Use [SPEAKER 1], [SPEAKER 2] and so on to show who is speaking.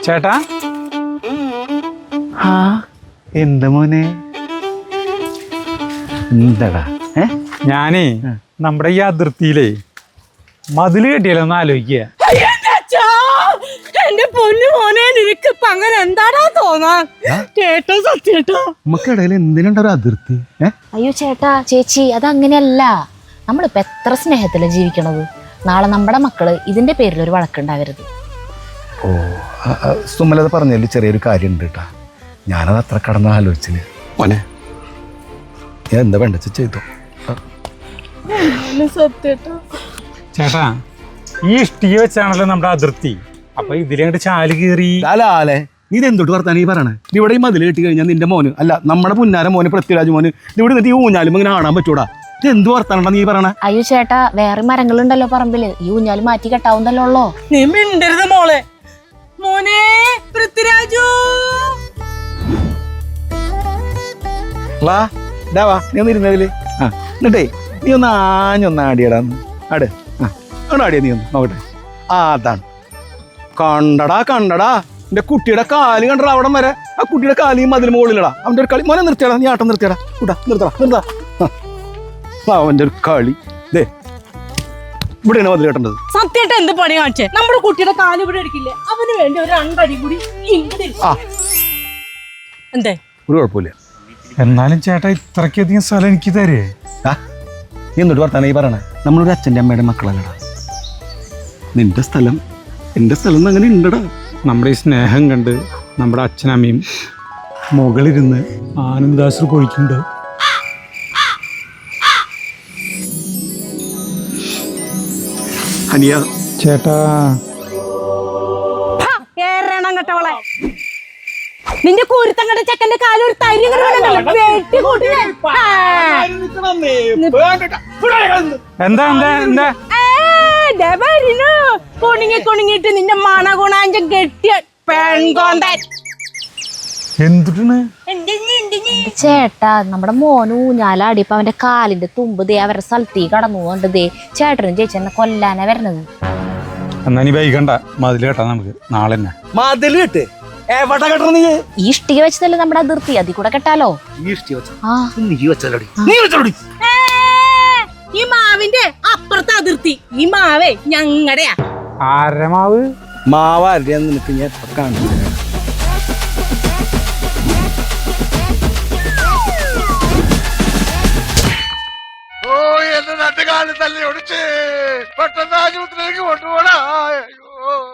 [SPEAKER 1] ചേട്ടാ
[SPEAKER 2] ആ എന്താ മോനെ എന്താടാ
[SPEAKER 1] ഞാനേ നമ്മുടെ ഈ അതിർത്തിയിലേ മതില് കെട്ടിയാലോ ഒന്ന് ആലോചിക്കുക.
[SPEAKER 3] എന്റെ പൊന്നു മോനെ നിനക്ക് ഇപ്പൊ അങ്ങനെ എന്താടാ തോന്നാൻ കേട്ടോ സത്യേട്ടോ
[SPEAKER 2] നമുക്കിടയിൽ എന്തിനുണ്ടോ അതിർത്തി
[SPEAKER 4] അയ്യോ ചേട്ടാ ചേച്ചി അതങ്ങനെയല്ല. നമ്മളിപ്പോ എത്ര സ്നേഹത്തിലാ ജീവിക്കണത്. നാളെ നമ്മുടെ മക്കള് ഇതിന്റെ പേരിൽ ഒരു വഴക്കുണ്ടാവരുത്.
[SPEAKER 2] ഓ സുമലത പറഞ്ഞതിൽ ചെറിയൊരു കാര്യം ഉണ്ട് കേട്ടാ. ഞാനത് അത്ര കടന്ന് ആലോചിച്ചില്ല മോനെ. ഞാൻ എന്താ വേണ്ട ചെയ്തോ
[SPEAKER 3] സത്യേട്ടോ.
[SPEAKER 1] ചേട്ടാ ഈ ഇഷ്ടിക വെച്ചാണല്ലോ നമ്മുടെ അതിർത്തി. അപ്പൊ ഇതിലങ്ങോട്ട് ചാല് കീറി
[SPEAKER 2] ലാലേ നീ ഇതെന്തോട്ട് വർത്താനം ഈ പറയണേ? ഇവിടെ ഈ മതിൽ കെട്ടി കഴിഞ്ഞാൽ നിന്റെ മോന് അല്ല നമ്മുടെ പുന്നാര മോന് പൃഥ്വിരാജ് മോന് ഇവിടെ എന്നിട്ട് ഈ ഊഞ്ഞാലും ഇങ്ങനെ കാണാൻ പറ്റൂടാ. ഇത് എന്ത് വർത്താനം നീ പറയണേ?
[SPEAKER 4] അയ്യോ ചേട്ടാ വേറെ മരങ്ങളുണ്ടല്ലോ പറമ്പില്. ഈ ഊഞ്ഞാല് മാറ്റി കെട്ടാവുന്നല്ലോ ഉള്ളോ.
[SPEAKER 3] നീ മിണ്ടരുത് മോളെ. മോനെ പൃഥ്വിരാജു
[SPEAKER 2] വാ നീ ഒന്ന് ഇരുന്നതില്. ആ എന്നിട്ടേ നീ ഒന്ന് ആഞ്ഞൊന്ന് ആട്. ആ ആടിയ നീ ഒന്ന് നോക്കട്ടെ. ആ അതാണ് കണ്ടടാ എന്റെ കുട്ടിയുടെ കാല് കണ്ടടാ. അവിടെ വരെ ആ കുട്ടിയുടെ കാലിയും അതിൽ മുകളിലടാ. അവന്റെ ഒരു കളി മോനെ നിർത്തിയടാ. നീ ആട്ടം നിർത്തിയടാ. നിർത്താ അവന്റെ ഒരു കളി. ദേ ഇവിടെയാണ് മതിൽ കെട്ടേണ്ടത്.
[SPEAKER 3] സത്യേട്ട എന്ത് പണി കാണിച്ചേ? നമ്മുടെ കുട്ടിയുടെ കാല് ഇവിടെ എടുക്കില്ലേ? അവന് വേണ്ടി ഒരു രണ്ടടി കൂടി എന്തേ?
[SPEAKER 2] ഒരു കുഴപ്പമില്ല.
[SPEAKER 1] എന്നാലും ചേട്ടാ ഇത്രയ്ക്കധികം സ്ഥലം എനിക്ക് തരേ?
[SPEAKER 2] നീ എന്നിട്ട് വർത്താനം ഈ പറയണേ? നമ്മളൊരു അച്ഛൻ്റെ അമ്മയുടെ മക്കളല്ലടാ. നിന്റെ സ്ഥലം എൻ്റെ സ്ഥലം അങ്ങനെ ഉണ്ടടാ.
[SPEAKER 1] നമ്മുടെ ഈ സ്നേഹം കണ്ട് നമ്മുടെ അച്ഛനമ്മയും മുകളിരുന്ന് ആനന്ദാശ്രു കൊഴിക്കുന്നുണ്ട്.
[SPEAKER 2] അനിയ
[SPEAKER 1] ചേട്ടാ
[SPEAKER 3] കേറണം കേട്ടവളെ. നിന്റെ കൂരുത്തം കണ്ട ചെക്കന്റെ കാല് ഒരു തരി
[SPEAKER 1] എന്താ
[SPEAKER 3] കൊണിങ്ങിട്ട് നിന്റെ മണ ഗുണാഞ്ചം കെട്ടിയ പെൺകോന്തൻ.
[SPEAKER 1] എന്തിട്ടാണ്
[SPEAKER 4] ചേട്ടാ നമ്മുടെ മോന് ഊഞ്ഞാലാടിയപ്പോ അവന്റെ കാലിന്റെ തുമ്പ് ദേ അവരുടെ സ്ഥലത്തേക്ക് കടന്നു പോകണ്ട്. ദേ ചേട്ടനും ചേച്ചി എന്നെ കൊല്ലാനാ വരണത്.
[SPEAKER 1] എന്നാ നീ വൈകണ്ട, മതില് കേട്ടാ നമുക്ക് നാളെ തന്നെ.
[SPEAKER 2] മതിൽ കെട്ട് എവിടെ കെട്ടണ? നീ
[SPEAKER 4] ഈ ഇഷ്ടിക വെച്ചതല്ലേ നമ്മുടെ അതിർത്തി, അതിൽ കൂടെ കെട്ടാലോ.
[SPEAKER 3] ഈ മാവിന്റെ അപ്പുറത്തെ അതിർത്തി. ഈ മാവേ ഞങ്ങടെയാ.
[SPEAKER 1] ആരമാവ്
[SPEAKER 2] മാവാരുടെ നിനക്ക് ഞാൻ എത്ര കാണുന്നു.
[SPEAKER 5] എന്റെ 2 കാലം തല്ലി ഒടിച്ച് പെട്ടെന്ന് ആശുപത്രിയിലേക്ക് കൊണ്ടുപോടാ.